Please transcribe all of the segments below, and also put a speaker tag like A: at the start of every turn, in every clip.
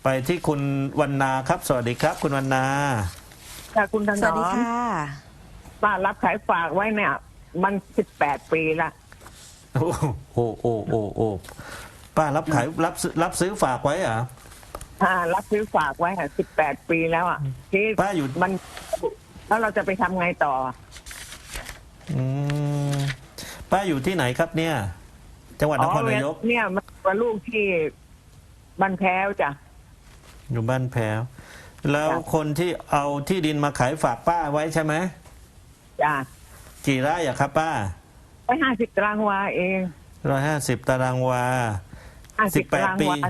A: ไปที่คุณวรรณาครับสวัสดีครับคุณวรรณา
B: ค่ะคุณถนอม
C: สวัสดีค่ะ
B: ป้ารับขายฝากไว้เนี่ย มัน18 ปีละ
A: โอ้โหป้ารับขายรับซื้อฝากไว้เหรอ
B: รับซื้อฝากไว้ค่ะ18 ปีแล้วอ่ะที่
A: ป้าอยู่
B: มันแล้วเราจะไปทำไงต่อ
A: อืมป้าอยู่ที่ไหนครับเนี่ย จังหวัดนครนายก
B: เนี่ยมันว่าลูกที่บ้านแพ้วจ้ะ
A: อยู่บ้านแพ้วแล้วคนที่เอาที่ดินมาขายฝากป้าไว้ใช่ไหม
B: จ้ะ
A: กี่ไร่อะครับป้า
B: ไป50 ตารางวาเอง
A: 150 ตารางวา
B: 50 ตาราง
A: ปี
B: วา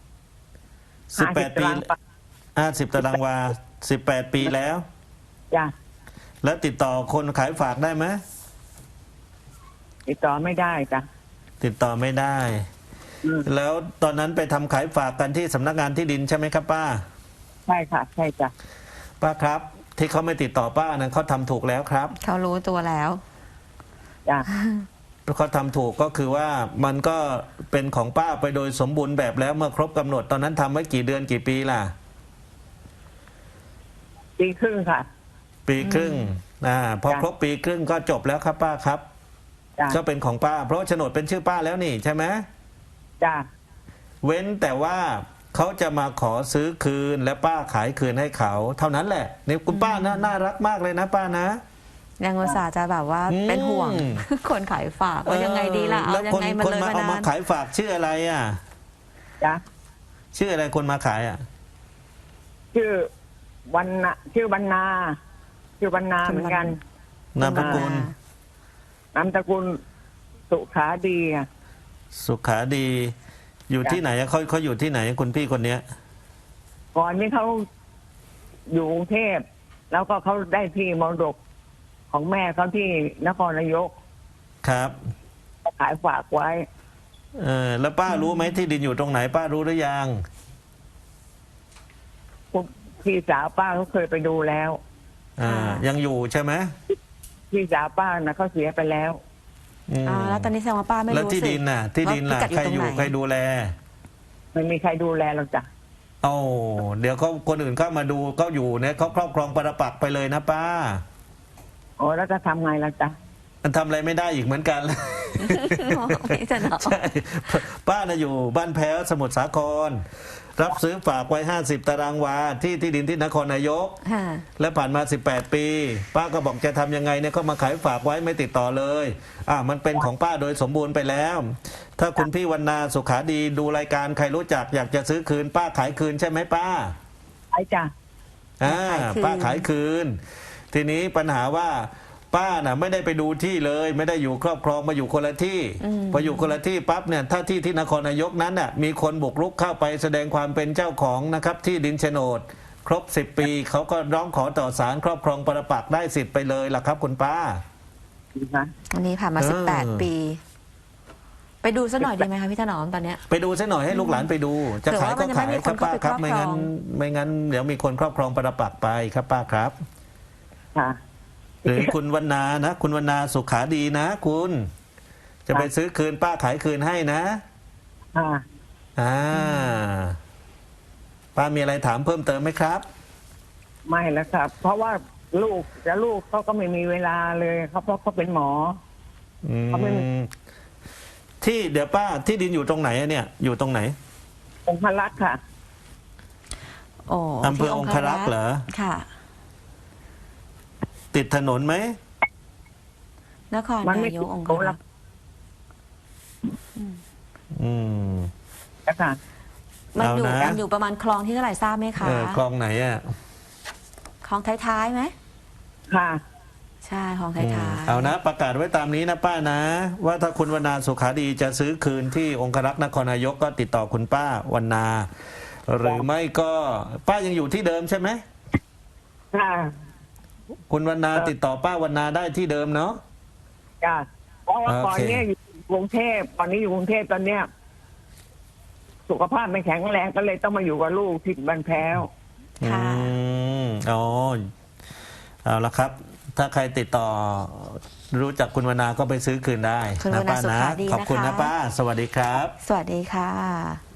A: 18 ปี 50 ตารางวา18 ปีแล้ว
B: จ้ะ
A: แล้วติดต่อคนขายฝากได้ไหม
B: ติดต่อไม่ได้จ้ะ
A: ติดต่อไม่ได้
B: อืม
A: แล้วตอนนั้นไปทำขายฝากกันที่สำนักงานที่ดินใช่ไหมครับป้า
B: ใช่ค่ะ ใช่จ้ะ
A: ป้าครับ ที่เขาไม่ติดต่อป้านั้นเขาทำถูกแล้วครับ
C: เขารู้ตัวแล้ว
B: จ้ะ
A: เขาทำถูกก็คือว่ามันก็เป็นของป้าไปโดยสมบูรณ์แบบแล้วเมื่อครบกำหนดตอนนั้นทำไว้กี่เดือนกี่ปีล่ะ
B: ปีครึ่งค่ะ
A: ปีครึ่งพอครบปีครึ่งก็จบแล้วครับป้าครับ
B: จ้ะ
A: ก็เป็นของป้า เพราะโฉนดเป็นชื่อป้าแล้วนี่ใช่ไหม
B: จ้ะ
A: เว้นแต่ว่าเขาจะมาขอซื้อคืนและป้าขายคืนให้เขา เท่านั้นแหละนี่คุณป้าน่ารักมากเลยนะป้านะ
C: ยังอุตส่าห์จะแบบว่าเป็นห่วง คนขายฝากว่ายังไงดีล่ะ เอา
A: แล้ว
C: ยัง
A: คน
C: ไงมัน
A: คน
C: เลย
A: มา
C: มา
A: เอามาน
C: าน
A: ขายฝากชื่ออะไรอ่ะ
B: จ้ะ
A: ชื่ออะไรคนมาขายอ่ะ
B: ชื่อวรรณะชื่อวรรณาชื่อวรรณาเหมือนกัน
A: นามสกุล
B: นามสกุลสุขาดีอ่ะ
A: สุขาดี อยู่ที่ไหนอะเขาอยู่ที่ไหนคุณพี่คนเนี้ย
B: ก่อนนี้เขาอยู่กรุงเทพแล้วก็เขาได้ที่มรดกของแม่เขาที่นครนายก
A: ครับ
B: ขายฝากไว้
A: แล้วป้ารู้ไหมที่ดินอยู่ตรงไหน ป้ารู้หรือยัง
B: พี่สาวป้าเขาเคยไปดูแล้ว
A: ยังอยู่ใช่ไหม
B: พี่สาวป้านะเขาเสียไปแล้ว
C: แล้วตอนนี้แสดงว่าป้าไม่
A: แล้ว
C: รู้
A: ที่
C: สิ
A: ดินน่ะ ที่ดินล่ะ
C: ว่าพิกัดอยู่
A: ใคร
C: ตรงไหน
A: ใครดูแล
B: ไม่มีใครดูแลหรอกจ้ะ
A: โอ้เดี๋ยวเขาคนอื่นเข้ามาดูก็อยู่เนี่ยเขาครอบครองปรปักษ์ไปเลยนะป้า
B: โอ้แล้วจะทำไงล่ะจ๊ะ
A: มันทำอะไรไม่ได้อีกเหมือนกัน
C: พี่จะเนาะ
A: ใช่ป้าน่ะอยู่บ้านแพ้วสมุทรสาคร รับซื้อฝากไว้50 ตารางวาที่ดินที่นครนายก
C: ค่ะ
A: และผ่านมา18 ปี ป้าก็บอกจะทำยังไงเนี่ยก็มาขายฝากไว้ไม่ติดต่อเลยมันเป็นของป้าโดยสมบูรณ์ไปแล้ว ถ้าคุณพี่วรรณาสุขาดีดูรายการใครรู้จักอยากจะซื้อคืน ป้าขายคืนใช่ไหมป้า
B: ไอ้จ้ะ
A: ป้าขายคืน ทีนี้ปัญหาว่าป้าน่ะไม่ได้ไปดูที่เลย ไม่ได้อยู่ครอบครองมาอยู่คนละที่พออยู่คนละที่ปั๊บเนี่ยถ้าที่นครนายกนั้นน่ะมีคนบุกรุกเข้าไปแสดงความเป็นเจ้าของนะครับที่ดินโฉนดครบ10 ปีเขาก็ร้องขอต่อศาลครอบครองปรปักษ์ได้สิทธิ์ไปเลยล่ะครับคุณป้า
C: อันนี้ผ่านมา18 ปี ไปดูซะหน่อยดีไหมคะพี่ถนอมตอนเนี้ย
A: ไปดูซะหน่อยให้ลูกหลานไปดู จะขายก็ขายครับป้าครับไม่งั้นเดี๋ยวมีคนครอบครองปรปักษ์ไปครับป้าครับ
B: ค่ะ
A: หรือคุณวรรณานะคุณวรรณาสุขาดีนะคุณจะไปซื้อคืนป้าขายคืนให้นะป้ามีอะไรถามเพิ่มเติมไหมครับ
B: ไม่แล้วครับ เพราะว่าลูกเขาก็ไม่มีเวลาเลยเขาเพราะเขาเป็นหมอ เขาไม่มี
A: ที่เดี๋ยวป้าที่ดินอยู่ตรงไหนอะเนี่ย อยู่ตรงไหน
B: องครักษ์ค่ะ
C: โอ้
A: อำเภอองครักษ์เหรอ
C: ค่ะ
A: ติดถนนไหม
C: นคร
B: มันไม่
C: นายกองค
B: ติด
C: รักษ์
B: ค่ะ
C: มันอยู่ประมาณคลองที่เท่าไหร่ทราบไหมคะ
A: คลองไหนอ่ะ
C: คลองท้ายๆไหม
B: ค่ะ
C: ใช่คลองท้ายๆ
A: เอานะประกาศไว้ตามนี้นะป้านะ ว่าถ้าคุณวรรณาสุขาดีจะซื้อคืนที่องครักษ์นครนายกก็ติดต่อคุณป้าวรรณา หรือไม่ก็ป้ายังอยู่ที่เดิมใช่ไหม
B: ค่ะ
A: คุณวรรณาติดต่อป้าวรรณาได้ที่เดิมเนาะ
B: จ้ะเพราะว่า
A: โอเค
B: ก่อนเนี้ยอยู่กรุงเทพตอนนี้อยู่กรุงเทพตอนเนี้ยสุขภาพไม่แข็งแรงก็เลยต้องมาอยู่กับลูกที่บ้านแพ้ว
C: ค่ะ
A: เอาละครับ ถ้าใครติดต่อรู้จักคุณวรรณาก็ไปซื้อคืนได้
C: คุณวรรณา
A: ป้า
C: สุ
A: นะ
C: ขาดี
A: ขอบคุณ
C: นะคะ
A: นะป้า สวัสดีครับ
C: สวัสดีค่ะ